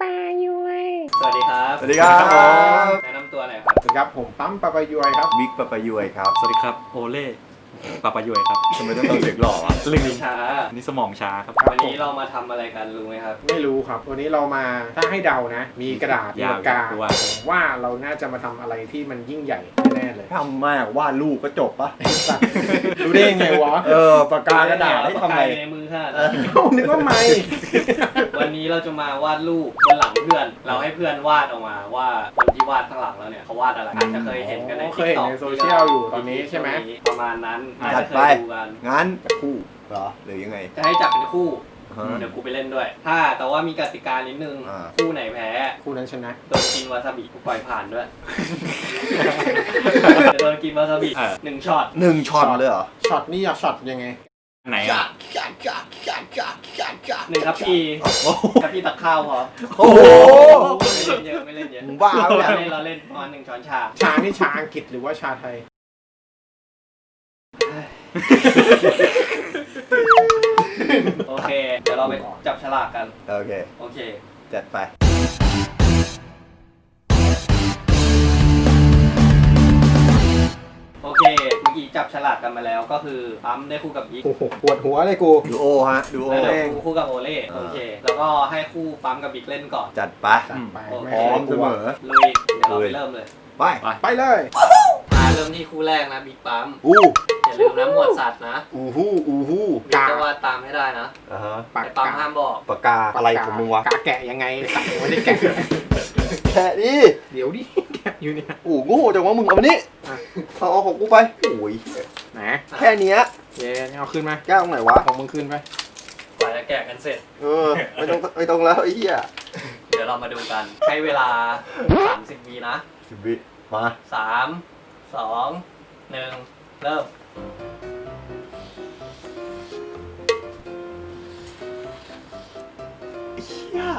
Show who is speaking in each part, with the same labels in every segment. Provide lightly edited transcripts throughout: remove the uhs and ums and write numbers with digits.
Speaker 1: ายุย
Speaker 2: สวัสดีครับ
Speaker 3: สวัสดีครับ
Speaker 2: แนะนำตัวหน่อยครับ
Speaker 1: สวัสดีครับผมปั๊มปาปายุยครับ
Speaker 3: วิกปะปะยุยครับ
Speaker 4: สวัสดีครับโอเล่ปาปายุยครับ
Speaker 3: ทำไมต้องทำเสียงหล่อวะ
Speaker 4: ลืม
Speaker 2: ช้า
Speaker 4: นี่สมองช้าครับ
Speaker 2: วันนี้เรามาทำอะไรกันรู้ไหมครับ
Speaker 1: ไม่รู้ครับวันนี้เรามาถ้าให้เดานะ มีกระดาษมี
Speaker 4: ยาว
Speaker 1: ปากกา
Speaker 4: ด้วย
Speaker 1: ผมว่าเราน่าจะมาทำอะไรที่มันยิ่งใหญ่แน่ๆเลย
Speaker 3: ทำมากวาดรูปก็จบปะ
Speaker 1: รู้ได้ยังไงวะ
Speaker 3: ปากกากระดาษให้ทำอะไร
Speaker 2: ปากกาในมือค่ะ
Speaker 1: เอานึกว่าไม่
Speaker 2: วันนี้เราจะมาวาดรูปบนหลังเพื่อน เราให้เพื่อนวาดออกมาว่าคนที่วาดข้างหลังเราเนี่ยเขาวาดอะไรอาจจะเคยเห็นกันใน
Speaker 1: เคยเห็นในโซเชียลอยู่ตอนนี้ใช่ไหม
Speaker 2: ประมาณนั้นอาจ
Speaker 3: จั
Speaker 2: จะ
Speaker 3: ด
Speaker 2: เค
Speaker 3: ไป
Speaker 2: ยดูกัน
Speaker 3: งั้นจะคู่เหรอหรือยังไง
Speaker 2: จะให้จับเป็นคู่
Speaker 3: ฮะ
Speaker 2: เดี๋ยวกูไปเล่นด้วย แต่ว่ามีกติกานิดนึง
Speaker 3: อ่า
Speaker 2: คู่ไหนแพ้
Speaker 1: คู่นั้นชนะ
Speaker 2: โดนกินวาซาบิกูปล่อยผ่านด้วยจะโดนกินวาซาบิ1ช็อต
Speaker 3: 1 ช็อตเลยเหรอ
Speaker 1: ช็อตนี่อยากช็อตยังไง
Speaker 4: ไหนอ่ะ
Speaker 2: 1ครับพี่
Speaker 3: โอ้โห
Speaker 2: ครับพี่ตักข้าวพอ
Speaker 3: โอ้โห
Speaker 2: ไม่เล่นเยอะ
Speaker 3: มึงบ้าปะเนี่ย
Speaker 2: เราเล่นประมาณ1 ช้อนชา
Speaker 1: ชานี่ชาอังกฤษหรือว่าชาไทย
Speaker 2: โอเค เดี๋ยวเราไปจับฉลากกัน
Speaker 3: โอเค
Speaker 2: โอเค
Speaker 3: จัดไป
Speaker 2: โอเค เมื่อกี้จับฉลากกันมาแล้วก็คือปั๊มได้คู่กับยิก
Speaker 1: โอ้โหปวดหัวเลยกู
Speaker 3: ดูโอฮะ ดูโอ
Speaker 2: แล้วเดี๋ยวคู่กับโอเล่โอเค แล้วก็ให้คู่ปั๊มกับบิ๊กเล่นก่อน
Speaker 3: จัดไป
Speaker 1: จัดไป
Speaker 2: โอเค
Speaker 3: พร้อมเสมอ
Speaker 2: ลุย เดี๋ยวเราไปเริ่มเลย
Speaker 3: ไป
Speaker 1: ไปเลย
Speaker 2: มาเริ่มที่คู่แรกนะบิ๊กปั๊ม
Speaker 3: อู้
Speaker 2: อย่าลืมนะหมวดสัตว์นะ
Speaker 3: อูฮู้อูฮู้
Speaker 2: บิ๊กจะวาดตามให้ได้นะ
Speaker 3: อ่าฮะ
Speaker 1: ปาก
Speaker 2: แต่ปั๊ม
Speaker 1: กา
Speaker 2: ห้ามบอก
Speaker 3: ปากกาอะไรของมึงวะ
Speaker 1: กาแกะยังไงตัดยังไม่ได้แกะ
Speaker 3: แค่นี้
Speaker 1: เดี๋ยวดิแกะอยู่เนี่ย
Speaker 3: โอ้โง่จังวะมึงเอามานี่
Speaker 1: อ่ะ
Speaker 3: เอาของกูไปโอ้ย
Speaker 1: ไหน
Speaker 3: แค่เนี้ย
Speaker 1: เย้เอาขึ้นมา
Speaker 3: แก้วตรงไหนวะ
Speaker 1: ของมึงขึ้นไป
Speaker 2: กว่าจะแกะกันเสร็จ
Speaker 3: ไม่ต้องแล้วไอ้เหี้ย
Speaker 2: เดี๋ยวเรามาดูกัน ให้เวลา 30 วินะ
Speaker 3: 10 วิมา
Speaker 2: 3 2 1 เริ่ม
Speaker 3: เหี้ย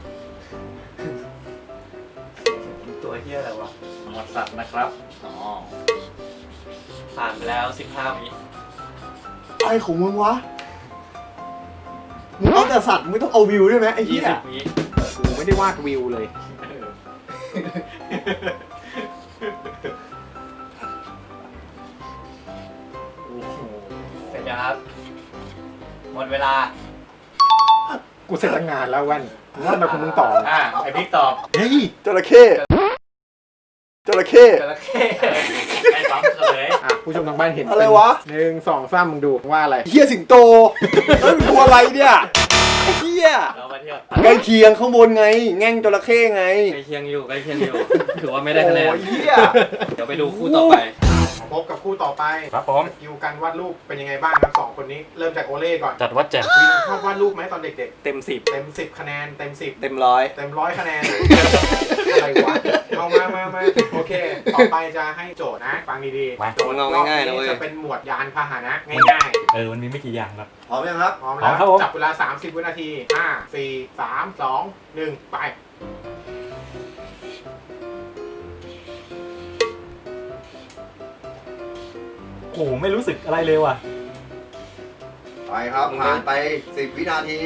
Speaker 2: ตัวเฮียอะไรวะหมวดสัตว์นะครับ อ๋อ ผ่านไปแล้ว 15 วิ
Speaker 3: อะไรของมึงวะ มึงเอาแต่สัตว์มึงไม่ต้องเอาวิวด้วยไหมไอ้เหี้ย
Speaker 2: 20 วิ
Speaker 1: กูไม่ได้วาดวิวเลย
Speaker 2: โอ้โหเสร็จยังครับ หมดเวลา
Speaker 1: กูเสร็จตั้งงานแล้ววันกูว่าทำไมคุณมึงต่อ
Speaker 2: ไอพิกตอบ
Speaker 3: เฮ้ยจระเข้จระเข้
Speaker 2: จระเข้ไอ้ปั๊มเฉลย
Speaker 1: ผู้ชมทางบ้านเห็น
Speaker 3: อะไรวะ
Speaker 1: 1 2 3มึงดูว่าอะไร
Speaker 3: เหี้ยสิงโตเฮ้ยมึงตัวอะไรเนี่ยไอ้เหี้ย
Speaker 2: เรามาเที่ยว
Speaker 3: ใกล้เคียงข้างบนไง แง่งจระเข้ไง
Speaker 2: ใกล้เคียงอยู่ใกล้เคียงอยู่ ถือว่าไม่ได้คะแนน
Speaker 3: โอ้ยเหี้ย
Speaker 2: เดี๋ยวไปดูคู่ต่อไป
Speaker 1: มาพบกับคู่ต่อไป
Speaker 4: ครับผม
Speaker 1: สกิลการวาดรูปเป็นยังไงบ้างครับ2 คนนี้เริ่มจากโอเล่ก่อน
Speaker 4: จัดวัดแจ่ม
Speaker 1: วินชอบวาดรูปไหมตอนเด็ก
Speaker 2: เต็ม
Speaker 1: ๆ เต็ม 10 คะแนนเต็ม 10
Speaker 2: 10 เต็ม 100
Speaker 1: เต็ม100 คะแนน อะไรวะเอามาโอเค ต่อไปจะให้โจทย์นะ ฟังดีๆโจทย์รอบนี้จะเป็นหมวดยานพาหนะง่าย
Speaker 4: มันมีไม่กี่อย่างครับ
Speaker 3: พร้อมยังครับ
Speaker 1: ๆพร้อมแล้ว
Speaker 4: ครับผม
Speaker 1: จับเวลา30 วินาที 5 4 3 2 1 ไป
Speaker 4: โอ้โหไม่รู้สึกอะไรเลยว่ะ
Speaker 3: ไปครับผ่านไป10 วินาที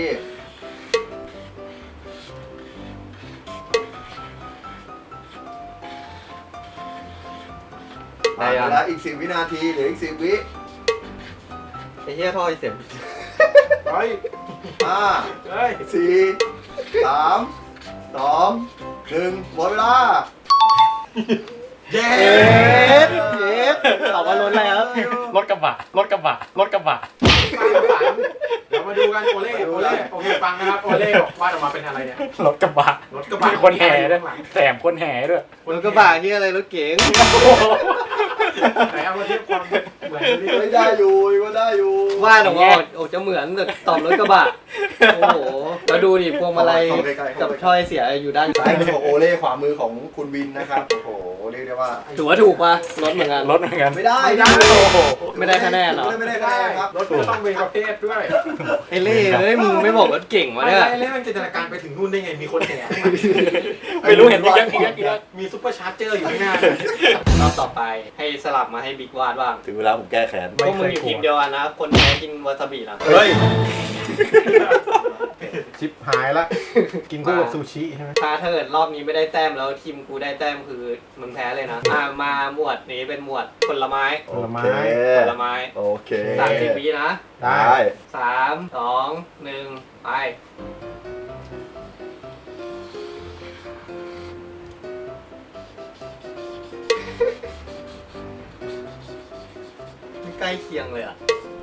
Speaker 3: ผ่านไปแล้วอีก10 วินาทีเหลืออีก10 วิ
Speaker 2: ไอ้เหี้ยท่อไอเสียง
Speaker 1: เฮ้ย
Speaker 3: 5
Speaker 1: เฮ้ย
Speaker 3: 4 3 2 1หมดเวลา
Speaker 2: เย้ตอบว่าล้นอะไรครับ
Speaker 4: รถกระบะ รถกระบะ รถกระบะ
Speaker 1: เดี๋ยวมาดูกันโอเล่โอเคฟังนะครับโอเล่วาดออกมาเป็นอะไรเนี่ย
Speaker 4: รถกระบะ
Speaker 1: รถกระบะ
Speaker 4: มีคนแห่ด้วย
Speaker 1: ข้างหลัง
Speaker 4: แถมคนแห่ด้วย
Speaker 2: รถกระบะที่อะไรรถเก๋ง
Speaker 1: ไหนเอามาเทียบความเหมือนดิ
Speaker 3: ไม่ได้อยู่ก็ได้อยู่
Speaker 2: ว่าหนูว่าโอ้จะเหมือนแต่ตอบรถกระบะ โอ้โหแล้วดูดิพวงมาลัยกับช่อยเสียอยู่ด้าน
Speaker 3: ซ้ายมือของโอเล่ขวามือของคุณวินนะครับ โอ้โห เรียกได้ว่า
Speaker 2: ถือว่าถูกปะรถเหมือนกัน
Speaker 4: รถเหมือนกัน
Speaker 3: ไม่ได้
Speaker 2: ไม่ได้คะแนนเหรอ
Speaker 3: ไม่ได้คะแนนครับ
Speaker 1: รถก็ต้องเป็นประเภทด้วย
Speaker 2: ไอ้เล่เอ้ยมึงไม่บอกรถเก่งวะ
Speaker 1: ไม่
Speaker 2: เนี่ย
Speaker 1: เล่มันจินตนาการไปถึงนู่นได้ไงมีคนแห่
Speaker 4: ไม่รู้เห็นมีเยอะ
Speaker 1: มีซุปเปอร์ชาร์เจอร์อยู่ข้างหน้าร
Speaker 2: อบต่อไปให้สลับมาให้บิ๊กวาดบ้าง
Speaker 3: ถึงเวลาผมแก้แค้น
Speaker 2: พวกมึงอยู่ทีมเดียวกันนะ คนแพ้กินวาซาบินะ
Speaker 3: เฮ้ย
Speaker 1: ชิปหายละ กินคู่กับซูชิใช่ไหม
Speaker 2: ถ้าเกิดรอบนี้ไม่ได้แต้มแล้วทีมกูได้แต้มคือมึงแพ้เลยนะมาหมวดนี้เป็นหมวดผลไม้
Speaker 1: ผลไม้
Speaker 2: ผลไม้
Speaker 3: โอเค
Speaker 2: 30 วินะ
Speaker 1: ได้
Speaker 2: 3 2 1 ไปไม่ใกล้เคียงเลยอ่ะ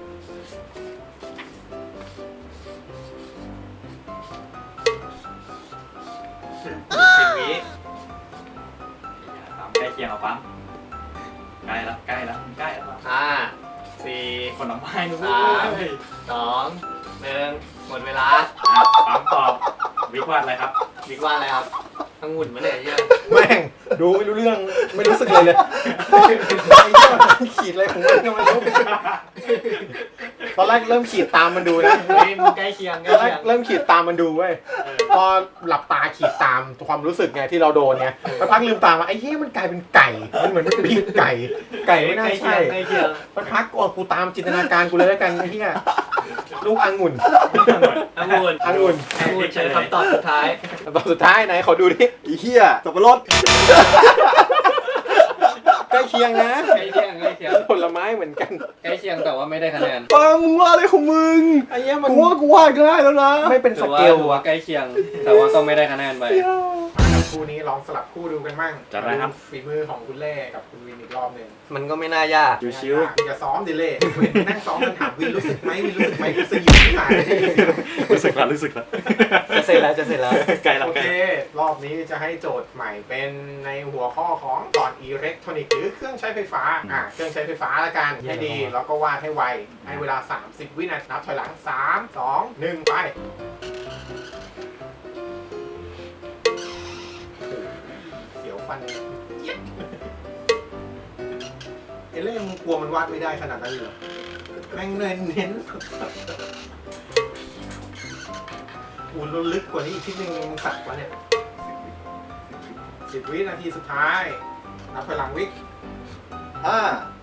Speaker 2: 10 วิ
Speaker 4: ใกล้เคียงเอาปั๊มใกล้แล้วใกล้แล้วใกล้แล้ว
Speaker 2: 5 4
Speaker 4: ผลไม้นะ
Speaker 2: 3
Speaker 4: เว้ย
Speaker 2: 2 1 หมดเวลา
Speaker 4: ปั๊มตอบวิกวาดอะไรครับ
Speaker 2: บิ๊กว่าอะไรครับองุ่นมาเนี่ยเยอะ
Speaker 1: แม่งดูไม่รู้เรื่องไม่รู้สึกเลยขีดอะไรของมันก็ไม่รู้ตอนแรกเริ่มขีดตามมันดูนะ
Speaker 2: เฮ้ยมึงใกล้เคียงใก
Speaker 1: ต
Speaker 2: ล้
Speaker 1: อนแร
Speaker 2: เคี
Speaker 1: ก
Speaker 2: ยง
Speaker 1: เริ่มขีดตามมันดูเว้ยพอหลับตาขีดตามความรู้สึกไงที่เราโดนไงแล้วพักลืมตามาไอ้เหี้ยมันกลายเป็นไก่มันเหมือนเป็นปีกไก่ไม่น่า
Speaker 2: ใกล้เคี
Speaker 1: ใช่
Speaker 2: ยงใกล้เคียง
Speaker 1: มันพักกูตามจินตนาการกูเลยแล้วกันไอ้เหี้ยลูกองุ่น
Speaker 2: องุ่นใช้คำตอบสุดท้าย
Speaker 1: ตอนสุดท้ายไหนขอดูดิ
Speaker 3: อีเหี้ยสับปะรด
Speaker 1: ใกล้เคียงนะ
Speaker 2: ใกล้เคียงใกล้เคียง
Speaker 1: ผลไม้เหมือนกัน
Speaker 2: ใกล้เคียงแต่ว่าไม่ได้คะแนน
Speaker 3: ปังมึงว่าอะไรของมึง
Speaker 1: ไอ้เหี้ยมัน
Speaker 3: กูว่าได้แล้วนะ
Speaker 1: ไม่เป็นส
Speaker 2: ถือว่า
Speaker 1: เกล
Speaker 2: ถือว่าใกล้เคียง แต่ว่าก็ไม่ได้คะแนนไป
Speaker 1: คู่นี้ลองสลับคู่ดูกันมั่ง
Speaker 4: จัดไปครับ
Speaker 1: ฝีมือของคุณเล่กับคุณวินอีกรอบหนึ่ง
Speaker 2: มันก็ไม่น่ายาก
Speaker 4: ชิว
Speaker 1: อย่าซ้อมดิเล่นั่งซ้อมมันถามวินรู้สึกไหมวินรู้สึกไหมกูสยิบขึ้นมา
Speaker 4: ๆรู้สึกแล้วรู้สึกแล้ว
Speaker 2: จะเสร็จแล้วจะเสร็จแล้ว
Speaker 4: ใกล้แล้ว
Speaker 1: โอ
Speaker 4: ใกล้
Speaker 1: เค
Speaker 4: แล้ว
Speaker 1: รอบนี้จะให้โจทย์ใหม่เป็นในหัวข้อของก่อนอิเล็กทรอนิกส์หรือเครื่องใช้ไฟฟ้าเครื่องใช้ไฟฟ้าละกันให้ดีแล้วก็วาดให้ไวให้เวลา 30 วินาทีนับถอยหลัง 3 2 1 ไปเสียวฟันเจี๊ยบเอเล่มึงกลัวมันวาดไม่ได้ขนาดนั้นเลยเหรอแม่งเน้นอูนลึกกว่านี้อีกทีนึงมึงสักวะเนี่ย10 วินาทีสุดท้ายนับถอยหลังวิ
Speaker 3: 5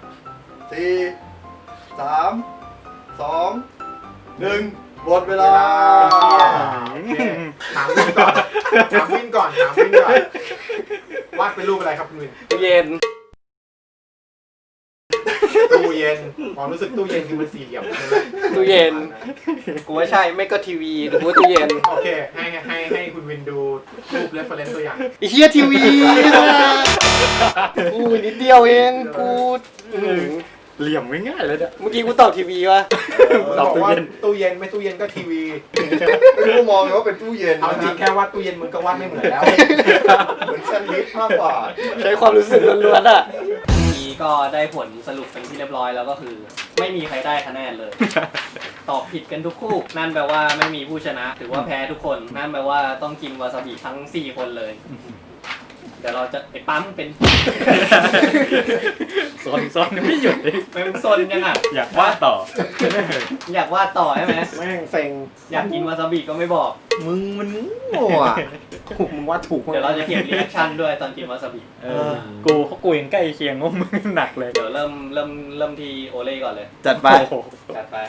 Speaker 3: 4 3 2 1หมดเวลา
Speaker 1: โอเคถามวินก่อนถามวินก่อนวาดเป็นรูปอะไรครับคุณวิน
Speaker 2: เย็น
Speaker 1: ตู้เย็นความรู้สึกตู้เย็นคือมันสี่เหลี่ยมใช่ไหม
Speaker 2: ตู้เย็น กูว่าใช่ไม่ก็ทีวีหรือว่าตู้เย็น
Speaker 1: โอเคให้คุณวินดูรูปเรฟเฟอเรนซ์ตัวอย่าง
Speaker 2: ไอ้เฮียทีวีกูนิดเดียวเองกู
Speaker 4: เหลี่ยมง่ายๆเลยเนี่ย
Speaker 2: เมื่อกี้กูตอบทีวีวะ
Speaker 1: บอกว่าตู้เย็นไม่ตู้เย็นก็ทีวี
Speaker 3: ไม่รู้มองเลยว่าเป็นตู้เย็น
Speaker 1: เอาจริ
Speaker 3: นะ
Speaker 1: งแค่วาดตู้เย็นมึงก็วาดไม่เหมือนแล้ว
Speaker 3: เหมือนแซนด์วิชมากกว่า
Speaker 2: ใช้ความรู้สึกล้วนๆอ่ะนี้ก็ได้ผลสรุปเป็นที่เรียบร้อยแล้วก็คือ ไม่มีใครได้คะแนนเลย ตอบผิดกันทุกคู่ นั่นแปลว่าไม่มีผู้ชนะ ถือว่าแพ้ทุกคน นั่นแปลว่าต้องกินวาซาบิทั้ง 4 คนเลย เดี๋ยวเราจะไปปั๊มเป็น
Speaker 4: ซนไม่หยุดเลย
Speaker 2: เป็นซนยังอ่ะ
Speaker 4: อยากวาดต่อ
Speaker 2: อยากวาดต่อใช่ไหม
Speaker 1: แม่งเซ็ง
Speaker 2: อยากกินวาซาบิก็ไม่บอก
Speaker 1: มึงมันโง่อะมึงวาดถูก
Speaker 2: เดี๋ยวเราจะเขียนรีแอคชั่นด้วยตอนกินวาซาบิ
Speaker 4: กูยังใกล้เคียงว่ามึงหนักเลย
Speaker 2: เดี๋ยวเริ่มที่โอเล่ก่อนเลย
Speaker 3: จัดไป
Speaker 4: โอ้โห
Speaker 2: จัดไป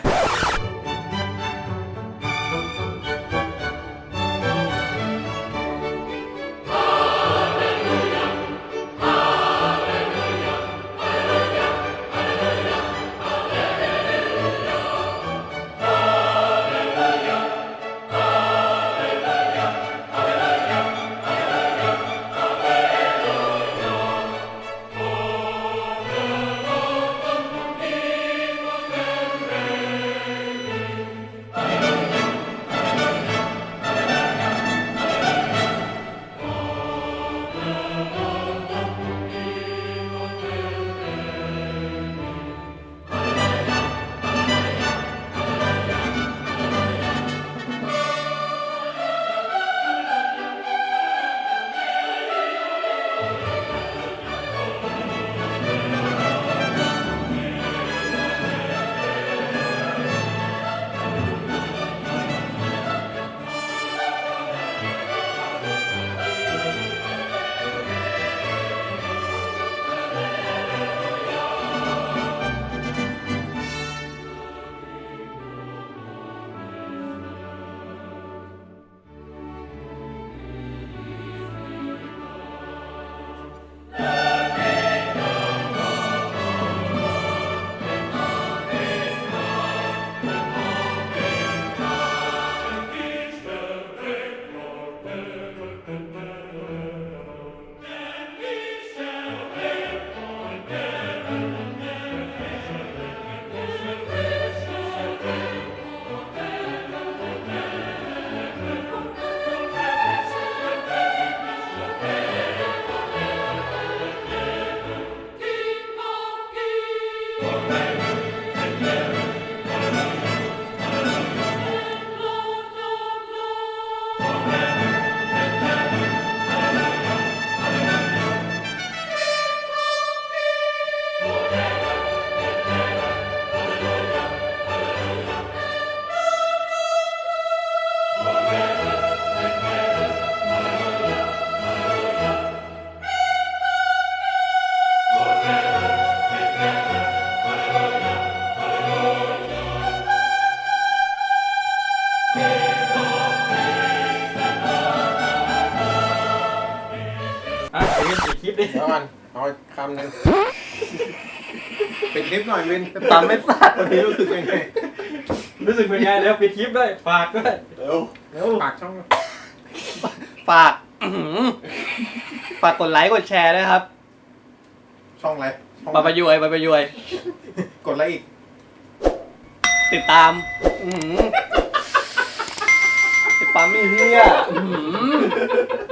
Speaker 2: ดิ
Speaker 1: เดี๋ยวก่อนเอาคำหนึ่งปิดคลิปหน่อยวิน
Speaker 2: ตามไม่สัตว์
Speaker 1: วันนี้รู้สึกยังไง
Speaker 2: รู้สึกเป็นไงแล้วปิดคลิปด้วยฝากด้วย
Speaker 3: เร็ว
Speaker 2: เร็ว
Speaker 1: ปากช่อง
Speaker 2: ฝากฝากกดไลค์กดแชร์ด้วยครับ
Speaker 1: ช่องอะไรช่อง
Speaker 2: บาบายวยบาบายวย
Speaker 1: กดอะไรอีก
Speaker 2: ติดตามติดตามไม่เฮีย